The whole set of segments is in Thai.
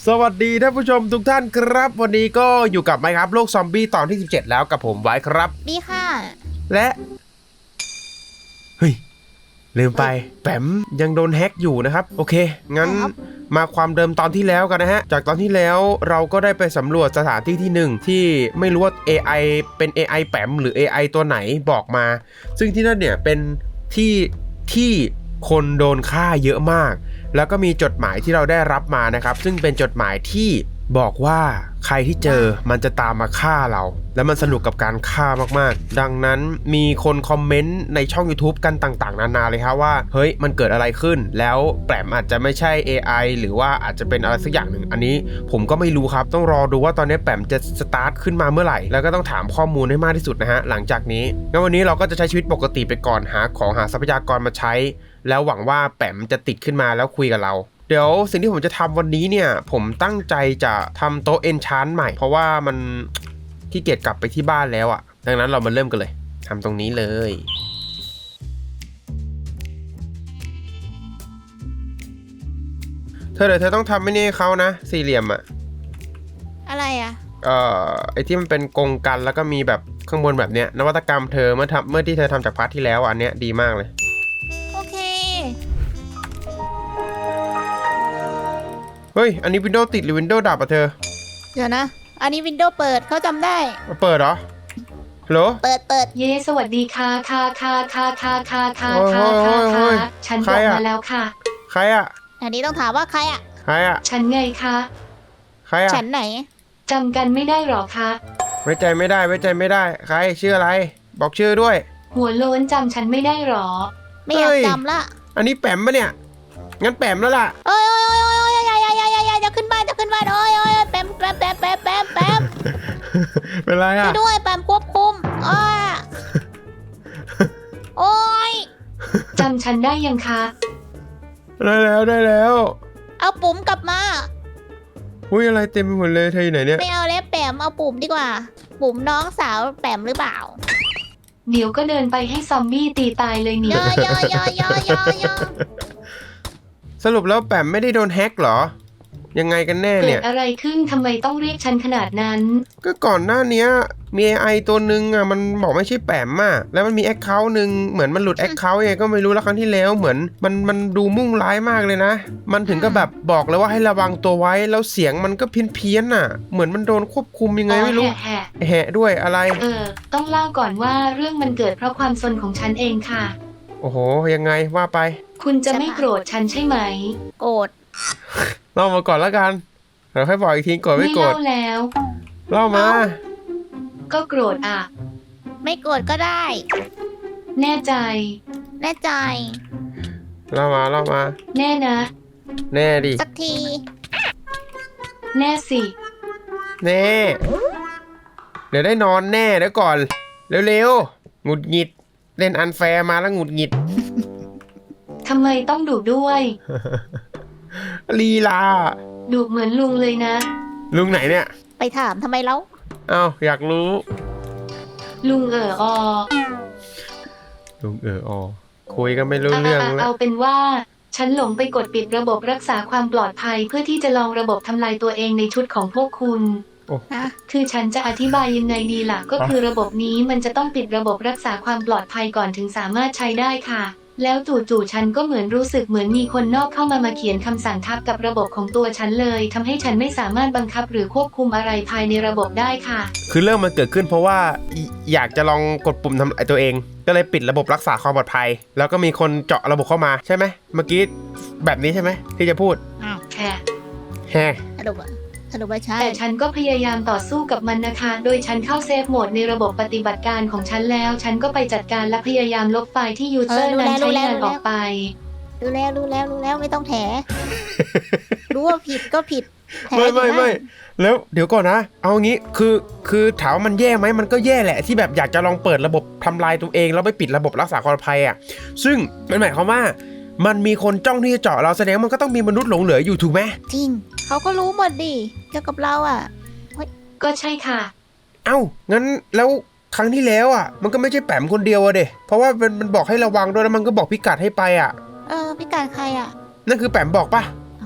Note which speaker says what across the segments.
Speaker 1: สวัสดีท่านผู้ชมทุกท่านครับวันนี้ก็อยู่กับไมค์ครับโลกซอมบี้ตอนที่17แล้วกับผมไว้ครับ
Speaker 2: ดีค่ะ
Speaker 1: และเฮ้ยลืมไปแปมยังโดนแฮ็กอยู่นะครับโอเคงั้นมาความเดิมตอนที่แล้วกันนะฮะจากตอนที่แล้วเราก็ได้ไปสำรวจสถานที่ที่1ที่ไม่รู้ว่า AI เป็น AI แปมหรือ AI ตัวไหนบอกมาซึ่งที่นั่นเนี่ยเป็นที่คนโดนฆ่าเยอะมากแล้วก็มีจดหมายที่เราได้รับมานะครับซึ่งเป็นจดหมายที่บอกว่าใครที่เจอมันจะตามมาฆ่าเราและมันสนุกกับการฆ่ามากๆดังนั้นมีคนคอมเมนต์ในช่อง YouTube กันต่างๆนานาเลยครับว่าเฮ้ยมันเกิดอะไรขึ้นแล้วแปมอาจจะไม่ใช่ AI หรือว่าอาจจะเป็นอะไรสักอย่างหนึ่งอันนี้ผมก็ไม่รู้ครับต้องรอดูว่าตอนนี้แปมจะสตาร์ทขึ้นมาเมื่อไหร่แล้วก็ต้องถามข้อมูลให้มากที่สุดนะฮะหลังจากนี้งั้นวันนี้เราก็จะใช้ชีวิตปกติไปก่อนหาทรัพยากรมาใช้แล้วหวังว่าแปมจะติดขึ้นมาแล้วคุยกับเราเดี๋ยวสิ่งที่ผมจะทำวันนี้เนี่ยผมตั้งใจจะทำโต๊ะเอนชานใหม่เพราะว่ามันขี้เกียจกลับไปที่บ้านแล้วอ่ะดังนั้นเรามาเริ่มกันเลยทำตรงนี้เลยเธอต้องทำไม่นี่เขานะสี่เหลี่ยมอ่ะ
Speaker 2: อะไรอ่ะ
Speaker 1: ไอที่มันเป็นกรงกันแล้วก็มีแบบข้างบนแบบเนี้ยนวัตกรรมเธอเมื่อที่เธอทำจากพาร์ทที่แล้วอันเนี้ยดีมากเลย
Speaker 2: โอเค
Speaker 1: เฮ้ยอันนี้วินโดว์ติดหรือวินโดว์ดับอ่ะเธอ
Speaker 2: เดี๋ยวนะอันนี้วินโดว์เปิดเขาจำได้
Speaker 1: เปิดเหรอฮัลโหล
Speaker 2: เปิด
Speaker 3: เย้สวัสดีค่ะฉันบอกมาแล้วค่ะ
Speaker 1: ใครอ่ะ
Speaker 2: อันนี้ต้องถามว่าใครอ่ะ
Speaker 3: ฉันไงคะ
Speaker 1: ใครอ่ะ
Speaker 2: ฉันไหน
Speaker 3: จำกันไม่ได้หรอคะ
Speaker 1: ไว้ใจไม่ได้ใครชื่ออะไรบอกชื่อด้วย
Speaker 3: หัวโล้นจำฉันไม่ได้หรอ
Speaker 2: ไม่อยากจำละ
Speaker 1: อันนี้แปมปะเนี่ยงั้นแปมแล้วล่ะ
Speaker 2: โอ้ยจะขึ้นบ้านโอ้ยแปม
Speaker 1: เป็นไรอ่ะ
Speaker 2: ด้วยแปมควบคุมโอ้ย
Speaker 3: จำฉันได้ยังคะ
Speaker 1: ได้แล้ว
Speaker 2: เอาปุ่มกลับมา
Speaker 1: อุ้ยอะไรเต็มไปหมดเลยเธออยู่ไหนเนี่ย
Speaker 2: ไม่เอาแล้วแปมเอาปุ่มดีกว่าปุ่มน้องสาวแปมหรือเปล่า
Speaker 3: เดี๋ยวก็เดินไปให้ซอมบี้ตีตายเลยนี่
Speaker 1: สรุปแล้วแปมไม่ได้โดนแฮ็กเหรอยังไงกันแน่เนี่ย
Speaker 3: เกิดอะไรขึ้นทำไมต้องเรียกฉันขนาดนั้น
Speaker 1: ก็ก่อนหน้านี้มี AI ตัวนึงอ่ะมันบอกไม่ใช่แปมอ่ะแล้วมันมีแอคเคาท์นึงเหมือนมันหลุดแอคเคาท์ยังไงก็ไม่รู้แล้วครั้งที่แล้วเหมือนมันดูมุ่งร้ายมากเลยนะมันถึงก็แบบบอกเลยว่าให้ระวังตัวไว้แล้วเสียงมันก็เพี้ยนอ่ะเหมือนมันโดนควบคุมยังไงไม่รู้แหะด้วยอะไร
Speaker 3: ต้องเล่าก่อนว่าเรื่องมันเกิดเพราะความซนของฉันเองค่ะ
Speaker 1: โอ้โหยังไงว่าไป
Speaker 3: คุณจะไม่โกรธฉันใช่ไหม
Speaker 2: โกรธ
Speaker 1: เล่ามาก่อนแล้วกันเดี๋ยวค่อยบอกอีกทีโกรธไม่โกรธ
Speaker 3: ไม่เล่าแล้ว
Speaker 1: เล่ามา
Speaker 3: ก็โกรธอ่ะ
Speaker 2: ไม่โกรธก็ได้
Speaker 3: แน่ใจ
Speaker 2: เ
Speaker 1: ล่ามา
Speaker 3: แน่นะ
Speaker 1: แน่ดิ
Speaker 2: สักที
Speaker 3: แน่สิ
Speaker 1: แน่เดี๋ยวได้นอนแน่เดี๋ยวก่อนเร็วๆหงุดหงิดเล่นอันแฟร์มาแล้วหงุดหงิด
Speaker 3: ทำไมต้องดุด้วย
Speaker 1: ลีลา
Speaker 3: ดุเหมือนลุงเลยนะ
Speaker 1: ลุงไหนเนี่ย
Speaker 2: ไปถามทำไมเล่า
Speaker 1: อยากรู้
Speaker 3: ลุง
Speaker 1: ลุงคุยกันไม่รู้เรื่องแล้ว
Speaker 3: เอาเป็นว่าฉันหลงไปกดปิดระบบรักษาความปลอดภัยเพื่อที่จะลองระบบทำลายตัวเองในชุดของพวกคุณคือฉันจะอธิบายยังไงดีล่ะก็คือระบบนี้มันจะต้องปิดระบบรักษาความปลอดภัยก่อนถึงสามารถใช้ได้ค่ะแล้วจู่ๆฉันก็เหมือนรู้สึกเหมือนมีคนนอกเข้ามาเขียนคำสั่งทับกับระบบของตัวฉันเลยทำให้ฉันไม่สามารถบังคับหรือควบคุมอะไรภายในระบบได้ค่ะ
Speaker 1: คือเรื่องมันเกิดขึ้นเพราะว่าอยากจะลองกดปุ่มทำลายตัวเองก็เลยปิดระบบรักษาความปลอดภัยแล้วก็มีคนเจาะระบบเข้ามาใช่ไหมเมื่อกี้แบบนี้ใช่ไหมที่จะพูด
Speaker 3: แค่
Speaker 2: สรุปว่าใช่
Speaker 3: แต่ฉันก็พยายามต่อสู้กับมันนะคะโดยฉันเข้าเซฟโหมดในระบบปฏิบัติการของฉันแล้วฉันก็ไปจัดการและพยายามลบไฟล์ที่ยูเซอร์นั้นใช้งานออกไป
Speaker 2: รู้แล้วไม่ต้องแถรู้ว่าผิดก็ผิด
Speaker 1: ไม่แล้วเดี๋ยวก่อนนะเอางี้คือถามว่ามันแย่ไหมมันก็แย่แหละที่แบบอยากจะลองเปิดระบบทำลายตัวเองแล้วไปปิดระบบรักษาความปลอดภัยอ่ะซึ่งมันหมายความว่ามันมีคนจ้องที่จะเจาะเราแสดงมันก็ต้องมีมนุษย์หลงเหลืออยู่ถูกไหม
Speaker 2: จริงเขาก็รู้หมดดิเกี่ยวกับเราอ่ะ
Speaker 3: ก็ใช่ค่ะ
Speaker 1: งั้นแล้วครั้งที่แล้วอ่ะมันก็ไม่ใช่แปมคนเดียวอะเดะเพราะว่ามันบอกให้ระวังด้วยแล้วมันก็บอกพิกัดให้ไปอ่ะ
Speaker 2: พิกัดใครอ่ะ
Speaker 1: นั่นคือแปมบอกปะ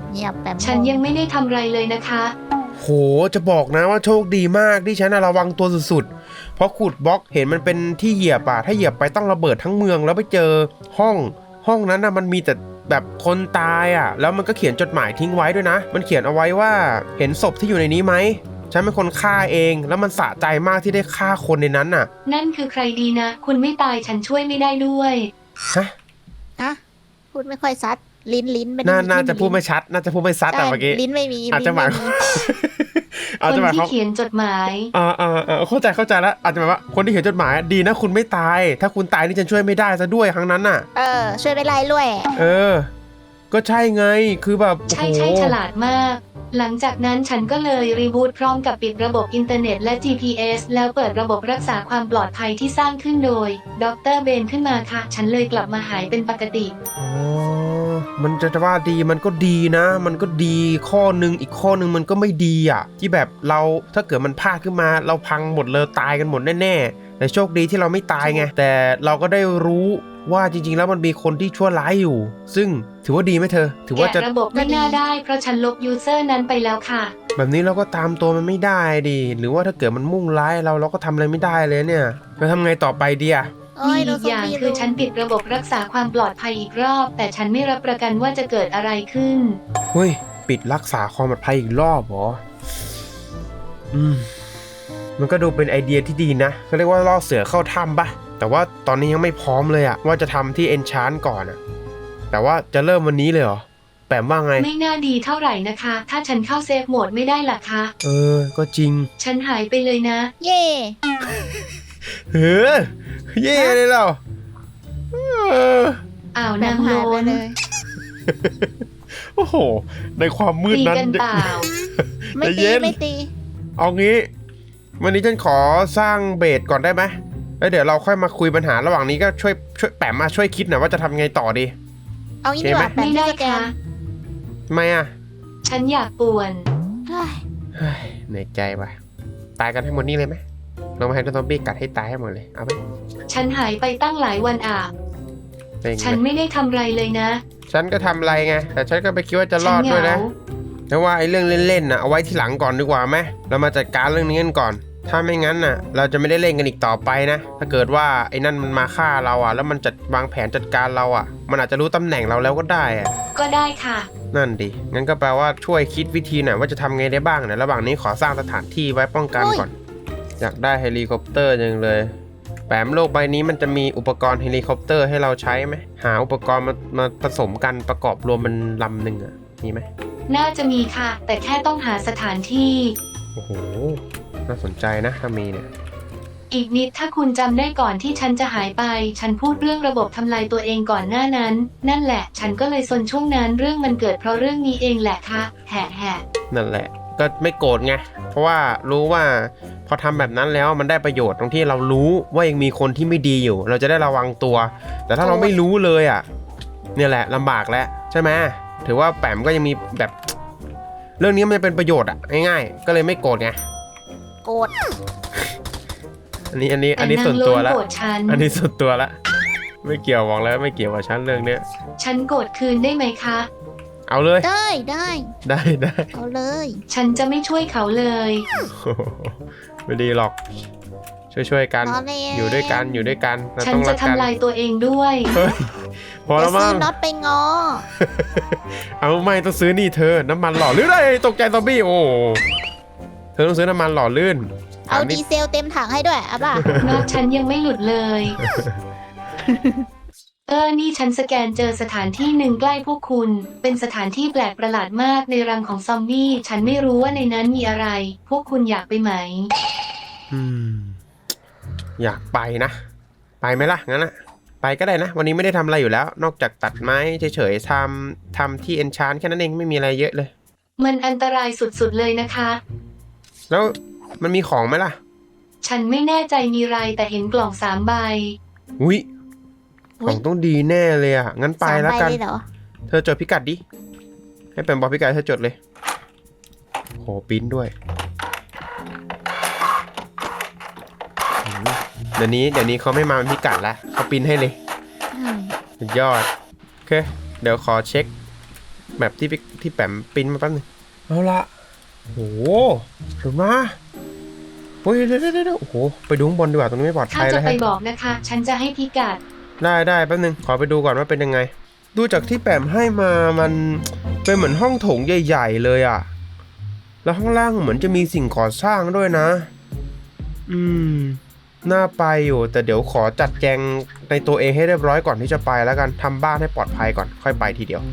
Speaker 2: เงียบแบบ
Speaker 3: ฉันยังไม่ได้ทำอะไรเลยนะคะ
Speaker 1: โหจะบอกนะว่าโชคดีมากที่ฉันระวังตัวสุดๆเพราะขุดบล็อกเห็นมันเป็นที่เหยียบถ้าเหยียบไปต้องระเบิดทั้งเมืองแล้วไปเจอห้องนั้นมันมีแต่แบบคนตายแล้วมันก็เขียนจดหมายทิ้งไว้ด้วยนะมันเขียนเอาไว้ว่าเห็นศพที่อยู่ในนี้ไหมฉันเป็นคนฆ่าเองแล้วมันสะใจมากที่ได้ฆ่าคนในนั้นน่ะ
Speaker 3: นั่นคือใครดีนะ คุณไม่ตายฉันช่วยไม่ได้ด้วย
Speaker 1: ฮะ
Speaker 2: นะพูดไม่ค่อยชัดลิ้นไม่
Speaker 1: น่าจะพูดไม่ชัดน่าจะพูดไม่ชัดแต่เมื่อกี้
Speaker 2: ลิ้นไม่มี
Speaker 1: อาจจะหมาย
Speaker 3: คนที่เขียนจดหมาย
Speaker 1: เข้าใจแล้วอาจจะหมายว่าคนที่เขียนจดหมายดีนะคุณไม่ตายถ้าคุณตายนี่ฉันช่วยไม่ได้ซะด้วยครั้งนั้นน่ะ
Speaker 2: ช่วยไม่ไล่ด้วย
Speaker 1: ก็ใช่ไงคือแบบ
Speaker 3: ใช่ฉลาดมาก หลังจากนั้นฉันก็เลยรีบูตพร้อมกับปิดระบบอินเทอร์เน็ตและ GPS แล้วเปิดระบบรักษาความปลอดภัยที่สร้างขึ้นโดยดร.เบนขึ้นมาค่ะฉันเลยกลับมาหายเป็นปกติ
Speaker 1: มันจะว่าดีมันก็ดีนะมันก็ดีข้อนึงอีกข้อนึงมันก็ไม่ดีที่แบบเราถ้าเกิดมันพลาดขึ้นมาเราพังหมดเลยตายกันหมดแน่ๆแต่โชคดีที่เราไม่ตายไงแต่เราก็ได้รู้ว่าจริงๆแล้วมันมีคนที่ชั่วร้ายอยู่ซึ่งถือว่าดีไหมเธอถือว่าจะ
Speaker 3: ระบบไม่น่าได้เพราะฉันลบยูเซอร์นั้นไปแล้วค่ะ
Speaker 1: แบบนี้เราก็ตามตัวมันไม่ได้ดิหรือว่าถ้าเกิดมันมุ่งร้ายเราก็ทำอะไรไม่ได้เลยเนี่ยเราทำไงต่อไปดี
Speaker 3: มีอีกอย่างคือฉันปิดระบบรักษาความปลอดภัยอีกรอบแต่ฉันไม่รับประกันว่าจะเกิดอะไรขึ้น
Speaker 1: เฮ้ยปิดรักษาความปลอดภัยอีกรอบเหรอมันก็ดูเป็นไอเดียที่ดีนะเขาเรียกว่าล่อเสือเข้าถ้ำปะแต่ว่าตอนนี้ยังไม่พร้อมเลยว่าจะทำที่ Enchant ก่อนแต่ว่าจะเริ่มวันนี้เลยเหรอแปมว่าไง
Speaker 3: ไม่น่าดีเท่าไหร่นะคะ ถ้าฉันเข้าเซฟโหมดไม่ได้ล่ะคะ
Speaker 1: ก็จริง
Speaker 3: ฉันหายไปเลยนะ
Speaker 2: เย่
Speaker 1: เย่เลยเหรอ
Speaker 3: นางโลน
Speaker 1: โอ้โหในความมืดนั้น
Speaker 3: ตีกันเปล่า
Speaker 2: ไม่ตี
Speaker 1: เอางี้วันนี้ฉันขอสร้างเบสก่อนได้ไหมแล้วเดี๋ยวเราค่อยมาคุยปัญหาระหว่างนี้ก็ช่วยแปมมาช่วยคิดหน่อยว่าจะทำไงต่อดี
Speaker 2: เอางี้ดีกว่า
Speaker 3: ไม่ได้ค่ะ
Speaker 1: ทำไม
Speaker 3: ฉันอยากป่วน
Speaker 1: เหนื่อยใจว่ะตายกันให้หมดนี่เลยไหมเรามาให้ซอมบี้กัดให้ตายให้หมดเลยเอาไป
Speaker 3: ฉันหายไปตั้งหลายวันฉันไม่ได้ทำไรเลยนะ
Speaker 1: ฉันก็ทำไรไงแต่ฉันก็ไปคิดว่าจะรอดด้วยนะแต่ว่าไอ้เรื่องเล่นๆเอาไว้ทีหลังก่อนดีกว่าไหมเรามาจัดการเรื่องนี้กันก่อนถ้าไม่งั้นเราจะไม่ได้เล่นกันอีกต่อไปนะถ้าเกิดว่าไอ้นั่นมันมาฆ่าเราแล้วมันจัดวางแผนจัดการเรามันอาจจะรู้ตำแหน่งเราแล้วก็ได้
Speaker 3: ก็ได้ค่ะ
Speaker 1: นั่นดิงั้นก็แปลว่าช่วยคิดวิธีหน่อยว่าจะทำไงได้บ้างระหว่างนี้ขอสร้างสถานที่ไว้ป้องกันก่อนอยากได้เฮลิคอปเตอร์จังเลยแปมโลกใบนี้มันจะมีอุปกรณ์เฮลิคอปเตอร์ให้เราใช้ไหมหาอุปกรณ์มาผสมกันประกอบรวมเป็นลำหนึ่งมีไหม
Speaker 3: น่าจะมีค่ะแต่แค่ต้องหาสถานที่
Speaker 1: โอ้โหน่าสนใจนะถ้ามีเนี่ย
Speaker 3: อีกนิดถ้าคุณจำได้ก่อนที่ฉันจะหายไปฉันพูดเรื่องระบบทำลายตัวเองก่อนหน้านั้นนั่นแหละฉันก็เลยซนช่วงนั้นเรื่องมันเกิดเพราะเรื่องนี้เองแหละค่ะแหะ
Speaker 1: นั่นแหละก็ไม่โกรธไงเพราะว่ารู้ว่าพอทำแบบนั้นแล้วมันได้ประโยชน์ตรงที่เรารู้ว่ายังมีคนที่ไม่ดีอยู่เราจะได้ระวังตัวแต่ถ้าเราไม่รู้เลยเนี่ยแหละลำบากแล้วใช่ไหมถือว่าแปมก็ยังมีแบบเรื่องนี้มันเป็นประโยชน์ง่ายๆก็เลยไม่โกรธไง
Speaker 2: โกรธ
Speaker 1: อันนี้ส่วนตัวแล้วอันนี้ส่วนตัวแล้วไม่เกี่ยวบอกแล้วไม่เกี่ยวกับฉันเรื่องเนี้ย
Speaker 3: ฉันโกรธคืนได้ไหมคะ
Speaker 1: เอาเลย
Speaker 2: ได้เอาเลย
Speaker 3: ฉันจะไม่ช่วยเขาเลย
Speaker 1: ไม่ดีหรอกช่วยกันอยู่ด้วยกัน
Speaker 3: ฉันจะทำลายตัวเองด้วย
Speaker 1: พอแล้วมั้ง
Speaker 2: ซื้อน็อตไปงอ
Speaker 1: เอาไม่ต้องซื้อนี่เธอน้ำมันหล่อลื่นเลยตกใจซอมบี้โอ้เธอต้องซื้อน้ำมันหล่อลื่น
Speaker 2: เอาดีเซลเต็มถังให้ด้วยป่ะ
Speaker 3: น็อตฉันยังไม่หลุดเลยนี่ฉันสแกนเจอสถานที่หนึ่งใกล้พวกคุณเป็นสถานที่แปลกประหลาดมากในรังของซอมบี้ฉันไม่รู้ว่าในนั้นมีอะไรพวกคุณอยากไปไหม
Speaker 1: อยากไปนะไปไหมล่ะงั้นไปก็ได้นะวันนี้ไม่ได้ทำอะไรอยู่แล้วนอกจากตัดไม้เฉยๆทำที่ Enchant แค่นั้นเองไม่มีอะไรเยอะเลย
Speaker 3: มันอันตรายสุดๆเลยนะคะ
Speaker 1: แล้วมันมีของไหมล่ะ
Speaker 3: ฉันไม่แน่ใจมีอะไรแต่เห็นกล่อง3 ใบ
Speaker 1: อุ๊ยของต้องดีแน่เลยงั้นไปแล้วกันเธอจดพิกัดดิให้เป็นบอกพิกัดเธอจดเลยโหปิ้นด้วยเดี๋ยวนี้เขาไม่มาเป็นพิกัดแล้วเขาปิ้นให้เลยสุดยอดโอเคเดี๋ยวขอเช็คแบบที่แปมปริ้นมาแป๊บนึงเอาละโอ้โหถึงมาโอ้ยเดี๋ยวโอ้โหไปดูข้างบนดีกว่าตรงนี้ไม่ปลอด
Speaker 3: ถ้า
Speaker 1: ภัย
Speaker 3: จะ
Speaker 1: แล้ว
Speaker 3: ไป
Speaker 1: ฮะ
Speaker 3: บอกนะคะ ฉันจะให้พิกัด
Speaker 1: ได้แป๊บนึงขอไปดูก่อนว่าเป็นยังไงดูจากที่แปมให้มามันเป็นเหมือนห้องโถงใหญ่ๆเลยอะแล้วข้างล่างเหมือนจะมีสิ่งก่อสร้างด้วยนะน่าไปอยู่แต่เดี๋ยวขอจัดแจงในตัวเองให้เรียบร้อยก่อนที่จะไปแล้วกันทำบ้านให้ปลอดภัยก่อนค่อยไปทีเดียว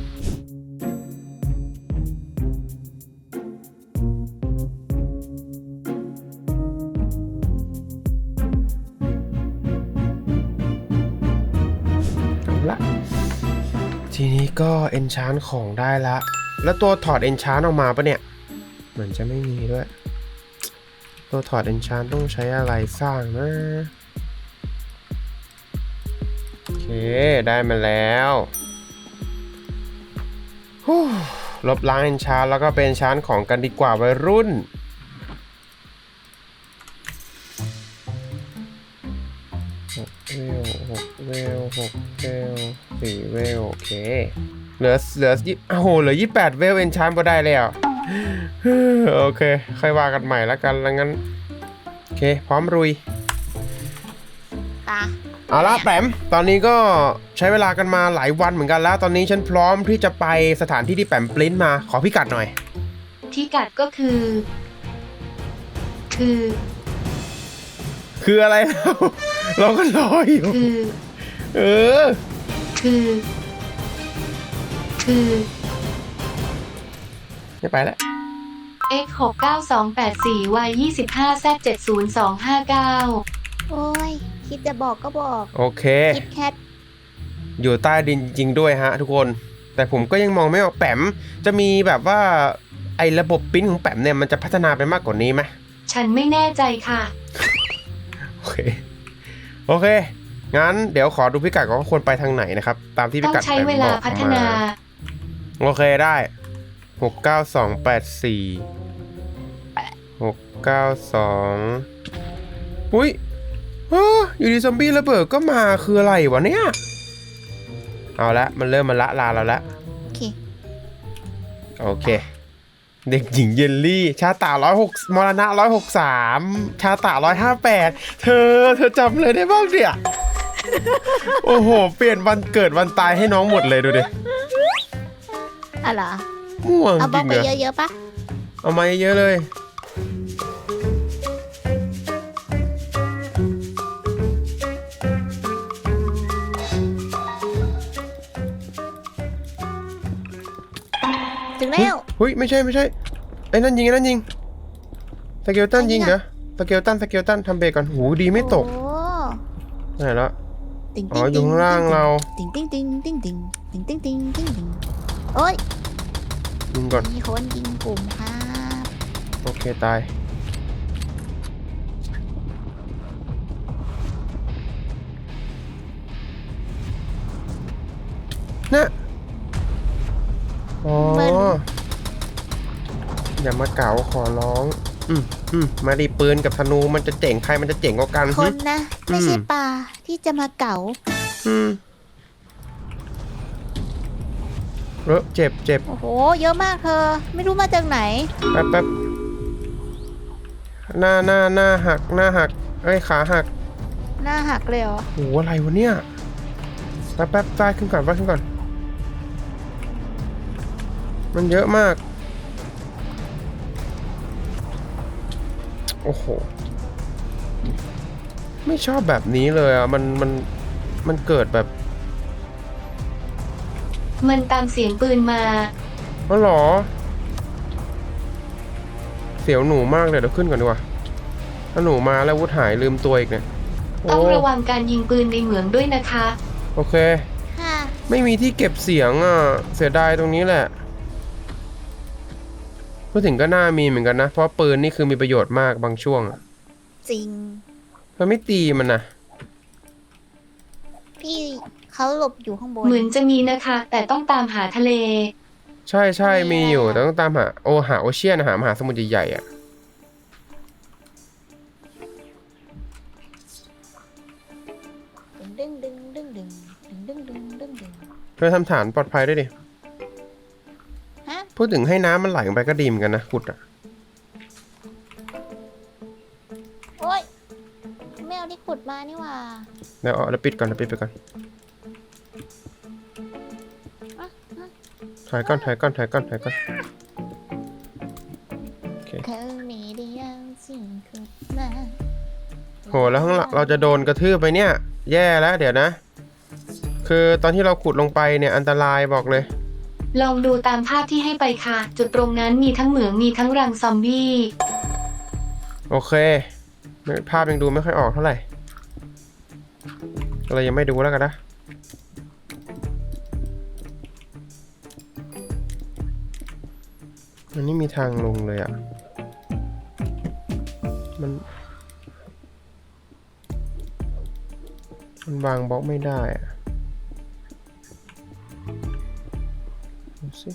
Speaker 1: เอาละทีนี้ก็เอนชานของได้ละแล้วตัวถอดเอนชานออกมาปะเนี่ยเหมือนจะไม่มีด้วยตัวถอดเอนชานต้องใช้อะไรสร้างนะโอเคได้มาแล้วลบล้างเอนชานแล้วก็เป็นชานของกันดีกว่าวัยรุ่น6 เวล4 เวลโอเคเหลือโอ้โหเหลือ28เวลเอนชานก็ได้แล้วโอเคค่อยว่ากันใหม่แล้วกันแล้วงั้นโอเคพร้อมรุยเอาละแปมตอนนี้ก็ใช้เวลากันมาหลายวันเหมือนกันแล้วตอนนี้ฉันพร้อมที่จะไปสถานที่ที่แปมปริ้นมาขอพิกัดหน่อย
Speaker 3: พิกัดก็คือ
Speaker 1: อะไร เราก็รออยู่ไม่ไปแล้ว
Speaker 3: x 69284 y 25 z 70259
Speaker 2: โอ้ยคิดจะบอกก็บอก
Speaker 1: โอเค
Speaker 2: คิดแคท
Speaker 1: อยู่ใต้ดินจริงด้วยฮะทุกคนแต่ผมก็ยังมองไม่ออกแปมจะมีแบบว่าไอ้ระบบปริ้นของแปมเนี่ยมันจะพัฒนาไปมากกว่านี้ไหม
Speaker 3: ฉันไม่แน่ใจค่ะ
Speaker 1: โอเคงั้นเดี๋ยวขอดูพิกัดก่อนว่าควรไปทางไหนนะครับตามที่พิกัด
Speaker 3: ต้องใช้เวลาพัฒนา
Speaker 1: โอเคได้69284อุ้ยอยู่ดีซอมบี้ระเบิดก็มาคืออะไรวะเนี่ยเอาละมันเริ่มมาละลาเราละโอเคเด็กหญิงเยลลี่ชาตา106มรณะ163ชาตา158เธอจำเลยได้บ้างเนี่ยโอ้โหเปลี่ยนวันเกิดวันตายให้น้องหมดเลยดูดิ
Speaker 2: อะไร
Speaker 1: ม่วง
Speaker 2: เอา
Speaker 1: จริงเหรอ
Speaker 2: เอาไปเยอะๆปะ
Speaker 1: เอามาเยอะเลย
Speaker 2: ถึงแล้ว
Speaker 1: เฮ้ยไม่ใช่ไอ้นั่นยิงสเกลตันยิงเหรอสเกลตันทำเบรกก่อนหูดีไม่ตกไหนละอ๋ออยู่ข้างล่างเรา
Speaker 2: โอ้ย
Speaker 1: ยิงก่อน
Speaker 2: มีคนยิงกลุ่มครับ
Speaker 1: โอเคตายนะอ๋ออย่ามาเก๋าขอร้องมาดิปืนกับธนูมันจะเจ๋งใครมันจะเจ๋งกว่ากัน
Speaker 2: คนนะไม่ใช่ปลาที่จะมาเก๋า
Speaker 1: เจ็บ
Speaker 2: โอ้โหเยอะมากเธอไม่รู้มาจากไหน
Speaker 1: แป๊บหน้าหักเอ้ยขาหัก
Speaker 2: หน้าหักเลยเหรอ
Speaker 1: โอ้อะไรวะเนี่ยแป๊บตายขึ้นก่อนมันเยอะมากโอ้โหไม่ชอบแบบนี้เลยอ่ะมันเกิดแบบ
Speaker 3: มันตามเสียงปืนมา
Speaker 1: อ๋อเหรอเสียวหนูมากเลยเดี๋ยวขึ้นก่อนดีกว่าถ้าหนูมาแล้ววุฒหายลืมตัวอีกเนี่ย
Speaker 3: ต้องระวังการยิงปืนในเหมืองด้วยนะคะ
Speaker 1: โอเคไม่มีที่เก็บเสียงอ่ะเสียดายตรงนี้แหละพูดถึงก็น่ามีเหมือนกันนะเพราะปืนนี่คือมีประโยชน์มากบางช่วง
Speaker 2: จริง
Speaker 1: มันไม่ตีมันนะ
Speaker 2: พี่เขาหลบอยู่ข้างบน
Speaker 3: เหมือนจะมีนะคะแต่ต้องตามหาทะเล
Speaker 1: ใช่มีอยู่แต่ต้องตามหาโอเชียนหามหาสมุทรใหญ่ๆอ่ะเธอทำฐานปลอดภัยด้วยดิพูดถึงให้น้ำมันไหลลงไปก็ดีเหมือนกันนะขุดอะ
Speaker 2: โอ๊ยไม่เอาที่ขุดมานี่หว่า
Speaker 1: เดี๋ยวปิดก่อนเดี๋ยวปิดไปก่อนถ่ายก่อนโอเค
Speaker 2: เคยมีเดียวสิ่งขุดมา
Speaker 1: โหแล้วข้างหลังเราจะโดนกระทืบไปเนี่ย แย่แล้วเดี๋ยวนะ คือตอนที่เราขุดลงไปเนี่ยอันตรายบอกเลย
Speaker 3: ลองดูตามภาพที่ให้ไปค่ะ จุดตรงนั้นมีทั้งเหมืองมีทั้งรังซอมบี้
Speaker 1: โอเคภาพยังดูไม่ค่อยออกเท่าไหร่เรายังไม่ดูแล้วกันนะอันนี้มีทางลงเลยอ่ะมันวางบล็อกไม่ได้อ่ะดูสิ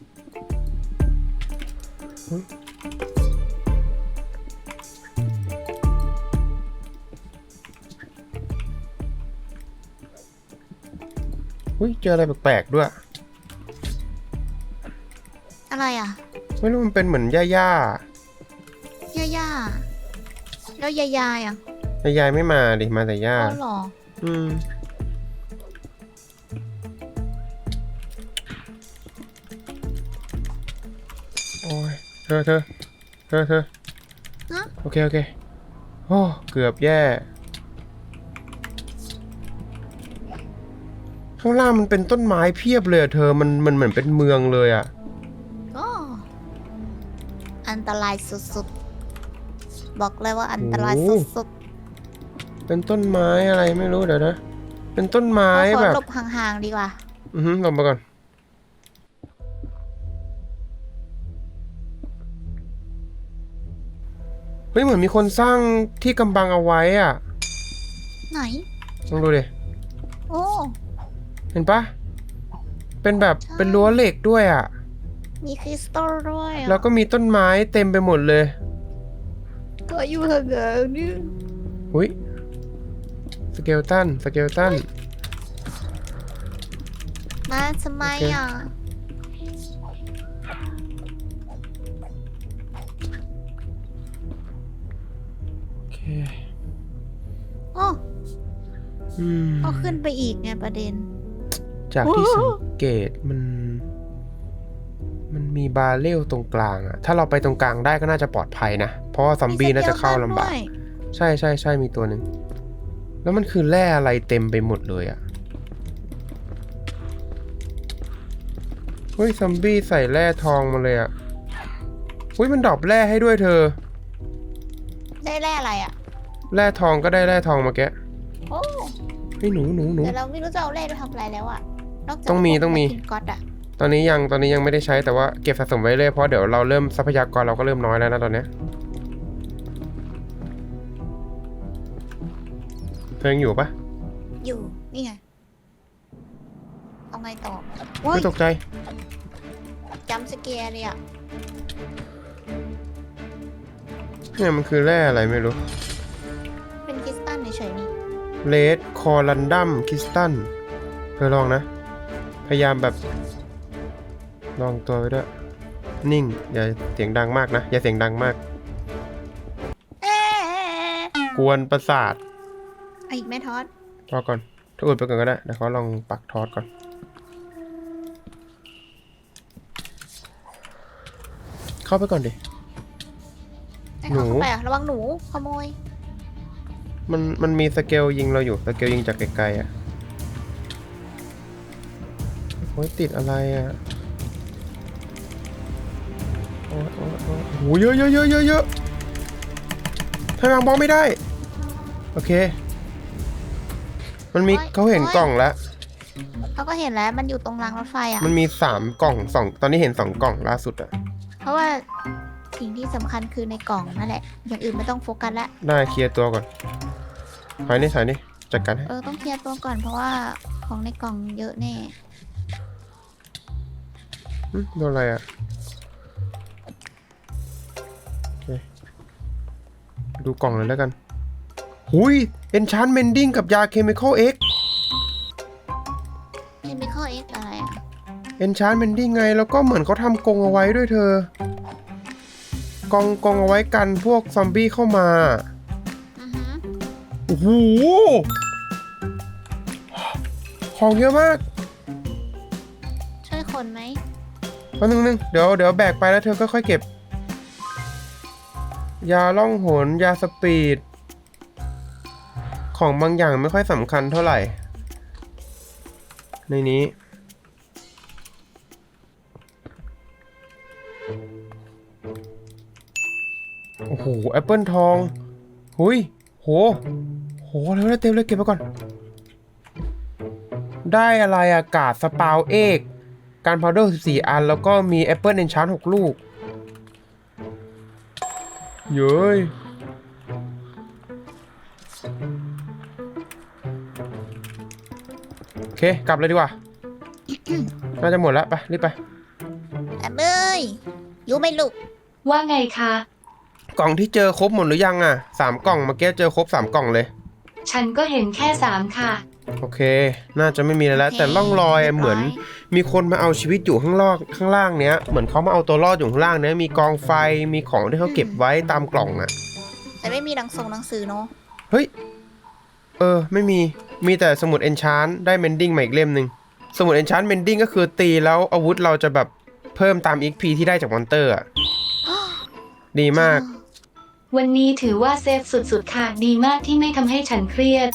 Speaker 1: อุ้ยเจออะไรแปลกๆด้วย
Speaker 2: อะไรอ่ะ
Speaker 1: ไม่รู้มันเป็นเหมือนย่า
Speaker 2: ย่าแล้วยายอ่ะ
Speaker 1: ยายไม่มาดิมาแต่ย่า
Speaker 2: อ๋อเหรอ
Speaker 1: โอ้ยเธอ
Speaker 2: ฮะ
Speaker 1: โอเคโอ้เกือบแย่ข้างล่างมันเป็นต้นไม้เพียบเลยอะเธอมันเหมือนเป็นเมืองเลยอ่ะ
Speaker 2: ก็อันตรายสุดๆบอกเลยว่าอันตรายสุด
Speaker 1: เป็นต้นไม้อะไรไม่รู้เดี๋ยวนะเป็นต้นไม้
Speaker 2: ๆขอ
Speaker 1: แบบ
Speaker 2: หลบห่างๆดีกว่า
Speaker 1: ลงมาก่อนเฮ้ยเหมือนมีคนสร้างที่กำบังเอาไว้อ่ะ
Speaker 2: ไหน
Speaker 1: ลองดูดิ
Speaker 2: โอ้
Speaker 1: เห็นปะเป็นแบบ
Speaker 2: ใช่
Speaker 1: เป็นรั้วเหล็กด้วยอ่ะ
Speaker 2: มีคริสตัลด้วยอ่ะ
Speaker 1: แล้วก็มีต้นไม้เต็มไปหมดเลย
Speaker 2: ก็อยู่ห่างๆนี่
Speaker 1: หุ้ยสเกลตัน
Speaker 2: มาทำไมอ่ะ
Speaker 1: โอเค
Speaker 2: โอ้
Speaker 1: อืม
Speaker 2: เอาขึ้นไปอีกไงประเด็น
Speaker 1: จากที่
Speaker 2: โอ้
Speaker 1: สังเกตมันมีบาเรลตรงกลางอะถ้าเราไปตรงกลางได้ก็น่าจะปลอดภัยนะ เพราะว่าซอมบี้น่าจะเข้าลำบาก
Speaker 2: มีสเกลตันด้วย
Speaker 1: ใช่มีตัวหนึ่งแล้วมันคือแร่อะไรเต็มไปหมดเลยอะเฮ้ยซอมบี้ใส่แร่ทองมาเลยอะเฮ้ยมันดรอปแร่ให้ด้วยเธอ
Speaker 2: ได้แร่อะไรอ่ะ
Speaker 1: แร่ทองก็ได้แร่ทองมาแกะ
Speaker 2: โอ้
Speaker 1: เฮ้ยหนู
Speaker 2: แต่เราไม่รู้จะเอาแร่ไปทำอะไรแล้วอ่ะนอกจาก
Speaker 1: ต้องมี
Speaker 2: พวกแมคคินก๊อตอ่ะ
Speaker 1: ตอนนี้ยังไม่ได้ใช้แต่ว่าเก็บสะสมไว้เลยเพราะเดี๋ยวเราเริ่มทรัพยากรเราก็เริ่มน้อยแล้วนะตอนเนี้ยเธอยังอยู่ปะ
Speaker 2: อยู่นี่ไงเอาไงต่อ
Speaker 1: ไม่ตกใจ
Speaker 2: จำสเกียร์เลยอ่ะ
Speaker 1: เนี่ยมันคือแร่อะไรไม่รู้
Speaker 2: เป็นคริสตัลเฉยๆนี่
Speaker 1: เลดคอรันดัมคริสตัลเธอลองนะ พยายามแบบลองตัวไว้ด้วยนิ่งอย่าเสียงดังมากนะอย่าเสียงดังมาก
Speaker 2: เอ๊ะ
Speaker 1: กวนประสาท
Speaker 2: เอาอีกแม่ทอด
Speaker 1: รอก่อนถ้าอุดไปก่อนก็ได้เดี๋ยวเขาลองปักทอดก่อนเข้าไปก่อนดิ
Speaker 2: ให้
Speaker 1: หนู
Speaker 2: เขาเข้าไปอ่ะระวังหนูขโมย
Speaker 1: มันมีสเกลยิงเราอยู่สเกลยิงจากไกลๆอ่ะโอ้ยติดอะไรอ่ะโอ้โหเยอะทำไมวางบล็อกไม่ได้โอเคมันมี
Speaker 2: โอ๊ย
Speaker 1: เขาเห็น
Speaker 2: โอ๊ย
Speaker 1: กล่องแล้ว
Speaker 2: เขาก็เห็นแล้วมันอยู่ตรงรางรถไฟอ่ะ
Speaker 1: มันมี3 กล่อง2ตอนนี้เห็น2 กล่องล่าสุดอ่ะ
Speaker 2: เพราะว่าสิ่งที่สำคัญคือในกล่องนั่นแหละ อย่างอื่นไม่ต้องโฟกัสละ
Speaker 1: ได้เคลียร์ตัวก่อนถอยนี่จัดการให้
Speaker 2: ต้องเคลียร์ตัวก่อนเพราะว่าของในกล่องเยอะแน่
Speaker 1: โดนอะไรอ่ะโอเคดูกล่องเลยแล้วกันหุยเอนชานเมนดิ้งกับยาเคมีคอลเอ็ก
Speaker 2: Chemical X อะไรอ่ะ
Speaker 1: enchantment ไงแล้วก็เหมือนเขาทำกรงเอาไว้ด้วยเธอกองเอาไว้กันพวกซอมบี้เข้ามา
Speaker 2: อือฮึ
Speaker 1: โอ้โหของเยอะมาก
Speaker 2: ช่วยคนไหม
Speaker 1: แป๊บนึงเดี๋ยวแบกไปแล้วเธอค่อยๆเก็บ ยาล่องหนยาสปีด ของบางอย่างไม่ค่อยสำคัญเท่าไหร่ ในนี้ โอ้โหแอปเปิลทองหุยโหเร็วเต็มเลยเก็บไปก่อน ได้อะไรอะกาดสปาวเอกการพาวเดอร์14 อัน แล้วก็มีแอปเปิลเอนชาน6 ลูก เย้ยโอเค กลับเลยดีกว่า น่าจะหมดแล้ว ไป รีบไป
Speaker 2: แอมเอ้ยอยู่ไหม่ลูก
Speaker 3: ว่าไงคะ
Speaker 1: กล่องที่เจอครบหมดหรือยังอ่ะ3 กล่องเมื่อกี้เจอครบ3 กล่องเลย
Speaker 3: ฉันก็เห็นแค่3ค่ะ
Speaker 1: โอเค น่าจะไม่มีอะไรแล้ว แต่ร่องรอยเหมือน มีคนมาเอาชีวิตอยู่ข้างล่างเนี้ย เหมือนเขามาเอาตัวรอดอยู่ข้างล่างเนี้ย มีกองไฟ มีของที่เขาเก็บไว้ตามกล่องอ่ะ
Speaker 2: แต่ไม่มีหนังสือเนาะ
Speaker 1: เฮ้ย ไม่มี มีแต่สมุดเอนชานได้เมนดิ้งมาอีกเล่มหนึ่งสมุดเอนชานเมนดิ้งก็คือตีแล้วอาวุธเราจะแบบเพิ่มตาม XP ที่ได้จากมอนเตอร์อ่ะ ดีมาก
Speaker 3: วันนี้ถือว่าเซฟสุดๆค่ะ ดีมากที่ไม่ทำให้ฉันเครียด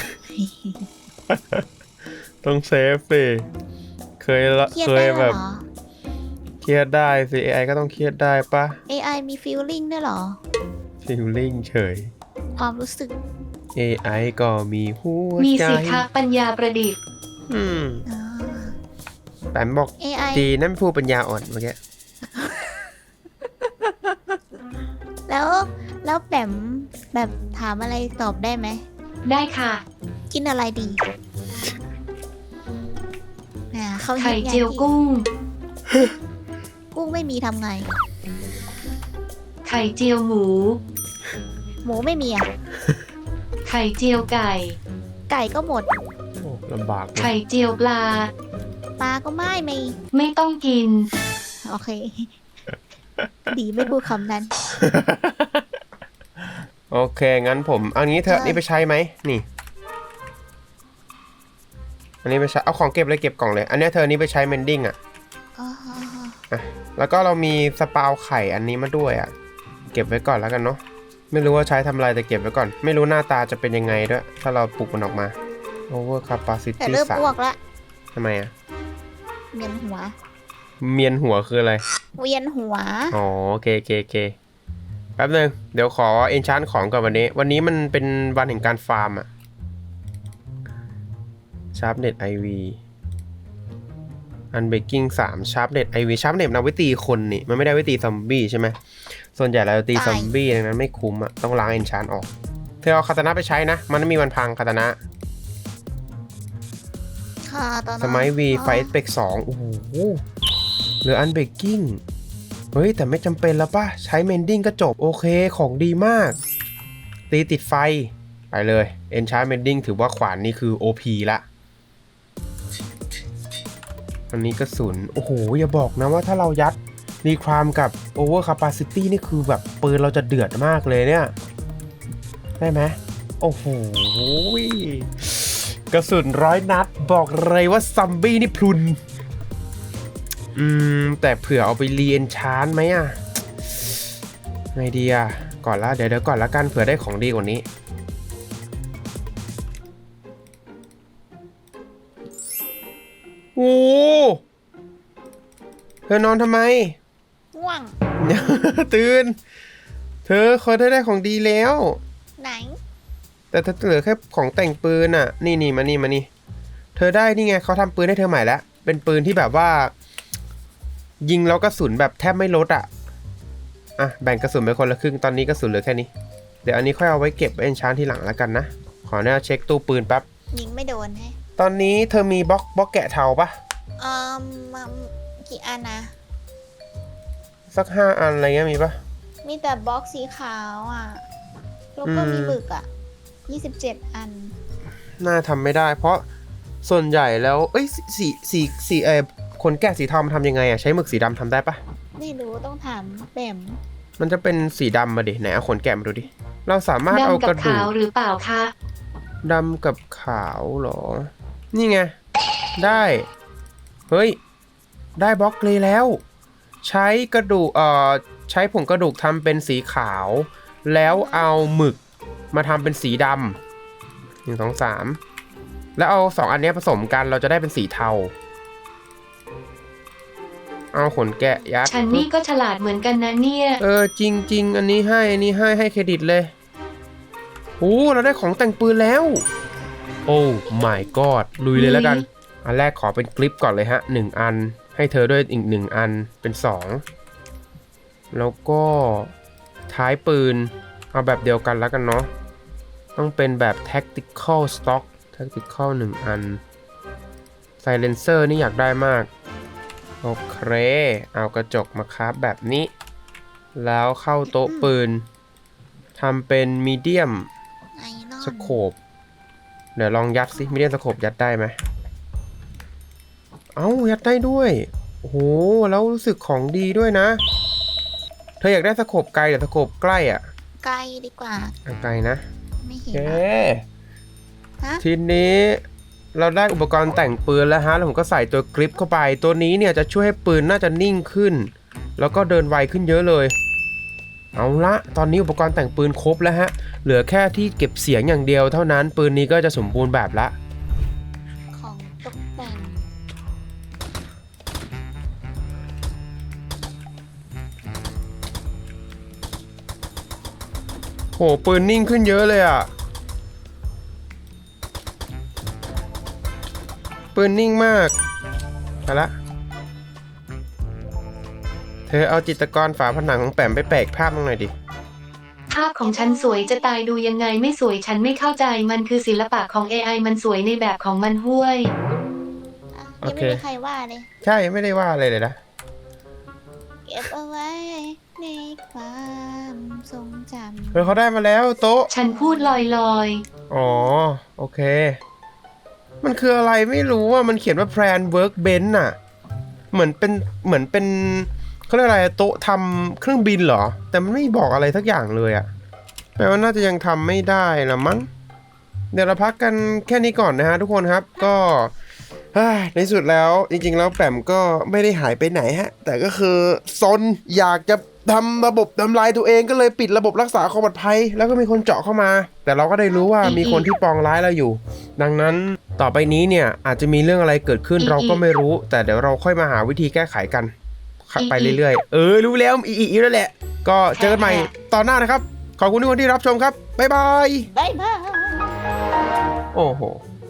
Speaker 1: ต้องเซฟสิ เคย
Speaker 2: เครียดได้
Speaker 1: แบ
Speaker 2: เหร
Speaker 1: บ
Speaker 2: อ
Speaker 1: เครียดได้สิ AI ก็ต้องเครียดได้ปะ
Speaker 2: AI มี feeling ด้วยเหรอ
Speaker 1: ฟีลลิ่งเฉย
Speaker 2: ความรู้สึก
Speaker 1: AI ก็มีหัว
Speaker 3: มี
Speaker 1: ใจ
Speaker 3: สิคะปัญญาประดิษฐ์
Speaker 1: อืม
Speaker 2: อ่า
Speaker 1: แปมบอก
Speaker 2: AI
Speaker 1: จีนั่นพูดปัญญาอ่อนเมื่อกี้
Speaker 2: แล้วแปมแบบถามอะไรตอบได้ไหม
Speaker 3: ได้ค่ะ
Speaker 2: กินอะไรดีเขาฮิต
Speaker 3: ไข่
Speaker 2: ไง
Speaker 3: เจียวกุ้ง
Speaker 2: กุ้งไม่มีทำไง
Speaker 3: ไข่เจียวหมู
Speaker 2: หมูไม่มีอ่ะ
Speaker 3: ไข่เจียวไก่
Speaker 2: ไก่ก็หมด
Speaker 1: โอ้ลำบากเลย
Speaker 3: ไข่เจียวปลา
Speaker 2: ปลาก็ไม่มี
Speaker 3: ไม่ต้องกิน
Speaker 2: โอเค ดีไม่พูดคำนั้น
Speaker 1: โอเค งั้นผมเอางี้เถอะ
Speaker 2: ใช่
Speaker 1: นี่ไปใช้ไหมนี่ อันนี้ไปใช้เอาของเก็บเลยเก็บกล่องเลย อันเนี้ยเธอนี้ไปใช้เมนดิ้งอ่ะ
Speaker 2: อ๋อ
Speaker 1: อ่ะ แล้วก็เรามีสปาวไข่อันนี้มาด้วยอ่ะ เก็บไว้ก่อนแล้วกันเนาะ ไม่รู้ว่าใช้ทำอะไรแต่เก็บไว้ก่อน ไม่รู้หน้าตาจะเป็นยังไงด้วย ถ้าเราปลูกมันออกมา over
Speaker 2: แต่
Speaker 1: capacity
Speaker 2: เริ่มอ้วกละ
Speaker 1: ทำไมอ่ะ
Speaker 2: เวียนหัว
Speaker 1: เมียนหัวคืออะไร
Speaker 2: เวียนหัว
Speaker 1: อ๋อโอเคแป๊บนึงเดี๋ยวขอเอนชานของก่อนวันนี้มันเป็นวันแห่งการฟาร์มอะชาร์ปเน็ตไอวีอันเบกกิ้ง3ชาร์ปเน็ตไอวีชาร์ปเน็ตนำไว้ตีคนนี่มันไม่ได้ไว้ตีซอมบี้ใช่ไหมส่วนใหญ่เราจะตีซอมบี้ดังนั้นไม่คุ้มอะต้องล้างเอนชานออกเธอเอาคาตานะไปใช้นะมันไม่มีวันพังคาตานะ
Speaker 2: ค่ะตอนนั้น
Speaker 1: สมัยวีไฟเบก2โอ้โหเหลืออันเบกกิ้งเฮ้ยแต่ไม่จำเป็นแล้วป่ะใช้เมนดิ้งก็จบโอเคของดีมากตีติดไฟไปเลยเอนชาร์เมนดิ้งถือว่าขวานนี่คือ OP ละอันนี้กระสุนโอ้โหอย่าบอกนะว่าถ้าเรายัดรีครามกับ Over Capacity นี่คือแบบปืนเราจะเดือดมากเลยเนี่ยได้ไหมโอ้โหกระสุน100 นัดบอกเลยว่าซัมบี้นี่พลุนแต่เผื่อเอาไปรีเอนชานไหมอ่ะไงดีอ่ะก่อนละเดี๋ยวก่อนละกันเผื่อได้ของดีกว่านี้โอ้เธอนอนทำไม
Speaker 2: ง่วง
Speaker 1: ตื่นเธอเคยได้ของดีแล้ว
Speaker 2: ไหน
Speaker 1: แต่เธอเหลือแค่ของแต่งปืนอ่ะนี่มานี่เธอได้นี่ไงเขาทำปืนให้เธอใหม่แล้วเป็นปืนที่แบบว่ายิงแล้วกระสุนแบบแทบไม่ลดอ่ะแบ่งกระสุนไปคนละครึ่งตอนนี้กระสุนเหลือแค่นี้เดี๋ยวอันนี้ค่อยเอาไว้เก็บไว้เอนชานทีหลังแล้วกันนะขอเนี่ยเช็คตู้ปืนแป๊บ
Speaker 2: ยิงไม่โดนให้
Speaker 1: ตอนนี้เธอมีบล็อกแกะเทาปะ
Speaker 2: มากี่อันนะ
Speaker 1: สัก5 อันอะไรเงี้ยมีปะ
Speaker 2: มีแต่บล็อกสีขาวอ่ะ แล้วก็มีหมึกอ่ะ 27 อัน
Speaker 1: น่าทำไม่ได้เพราะส่วนใหญ่แล้วสีคขนแกะสีทองมันทำยังไงอะใช้หมึกสีดำทำได้ปะ
Speaker 2: ไม่รู้ต้องถามแบม
Speaker 1: มันจะเป็นสีดำมาดิไหนเอาขนแกะมาดูดิเราสามารถเอา
Speaker 3: ดำกั
Speaker 1: ก
Speaker 3: บ
Speaker 1: ระดู
Speaker 3: ขาก วหรือเปล่าคะ
Speaker 1: ดำกับขาวเหรอนี่ไงได้เฮ้ยได้บล็อกเลยแล้ว ใช้กระดูกใช้ผงกระดูกทำเป็นสีขาวแล้วเอาหมึกมาทำเป็นสีดำ1 2 3แล้วเอา2อันนี้ผสมกันเราจะได้เป็นสีเทาเอาขนแกะยัด
Speaker 3: ฉันนี่ก็ฉลาดเหมือนกันนะเนี่ย
Speaker 1: จริงอันนี้ให้เครดิตเลยโอ้เราได้ของแต่งปืนแล้วโอ้ my god ลุยเลยแล้วกันอันแรกขอเป็นคลิปก่อนเลยฮะ1อันให้เธอด้วยอีก1อันเป็น2แล้วก็ท้ายปืนเอาแบบเดียวกันแล้วกันเนาะต้องเป็นแบบ tactical stock tactical 1อัน silencer นี่อยากได้มากโอเคเอากระจกมาคราฟแบบนี้แล้วเข้าโต๊ะปืนทำเป็นมีเดียม
Speaker 2: ไอรอน
Speaker 1: สโคปเดี๋ยวลองยัดสิมีเดียมสโคปยัดได้ไหมเอ้ายัดได้ด้วยโอ้โหแล้วรู้สึกของดีด้วยนะเธออยากได้สโคปไกลหรือสโคปใกล้อ่ะ
Speaker 2: ไกลดีกว่า
Speaker 1: ไกลนะ
Speaker 2: ไม่
Speaker 1: โอ
Speaker 2: เห็น
Speaker 1: เค
Speaker 2: ฮะ
Speaker 1: ทีนี้เราได้อุปกรณ์แต่งปืนแล้วฮะแล้วผมก็ใส่ตัวกริปเข้าไปตัวนี้เนี่ยจะช่วยให้ปืนน่าจะนิ่งขึ้นแล้วก็เดินไวขึ้นเยอะเลยเอาละตอนนี้อุปกรณ์แต่งปืนครบแล้วฮะเหลือแค่ที่เก็บเสียงอย่างเดียวเท่านั้นปืนนี้ก็จะสมบูรณ์แบบละ
Speaker 2: ของตกแต่ง
Speaker 1: โหปืนนิ่งขึ้นเยอะเลยอ่ะปืนนิ่งมากไปละเธอเอาจิตรกรฝาผนังของแปมไปแปะภาพลงหน่อยดิ
Speaker 3: ภาพของฉันสวยจะตายดูยังไงไม่สวยฉันไม่เข้าใจมันคือศิลปะของ AI มันสวยในแบบของมันห้วย
Speaker 2: ยังไม่มีใครว่าเลย
Speaker 1: ใช่ไม่ได้ว่าอะไรเลยนะ
Speaker 2: เก็บเอาไว้ในความทรงจ
Speaker 1: เฮ้ยเขาได้มาแล้วโต๊ะ
Speaker 3: ฉันพูดลอย
Speaker 1: อ๋อโอเคมันคืออะไรไม่รู้ว่ามันเขียนว่า plan workbench น่ะเหมือนเป็นเขาเรียกอะไรโต๊ะทำเครื่องบินเหรอแต่มันไม่บอกอะไรสักอย่างเลยอะแปลว่าน่าจะยังทำไม่ได้ละมั้งเดี๋ยวเราพักกันแค่นี้ก่อนนะฮะทุกคนครับก็ในสุดแล้วจริงๆแล้วแปมก็ไม่ได้หายไปไหนฮะแต่ก็คือซนอยากจะทำระบบทำลายตัวเองก็เลยปิดระบบรักษาความปลอดภัยแล้วก็มีคนเจาะเข้ามาแต่เราก็ได้รู้ว่ามีคนที่ปองร้ายเราอยู่ดังนั้นต่อไปนี้เนี่ยอาจจะมีเรื่องอะไรเกิดขึ้นเราก็ไม่รู้แต่เดี๋ยวเราค่อยมาหาวิธีแก้ไขกันไปเรื่อยๆรู้แล้วอีแล้วแหละก็เจอกันใหม่ตอนหน้านะครับขอบคุณทุกคนที่รับชมครับบ๊ายบาย
Speaker 2: ำบ๊ายบาย
Speaker 1: โอ้โห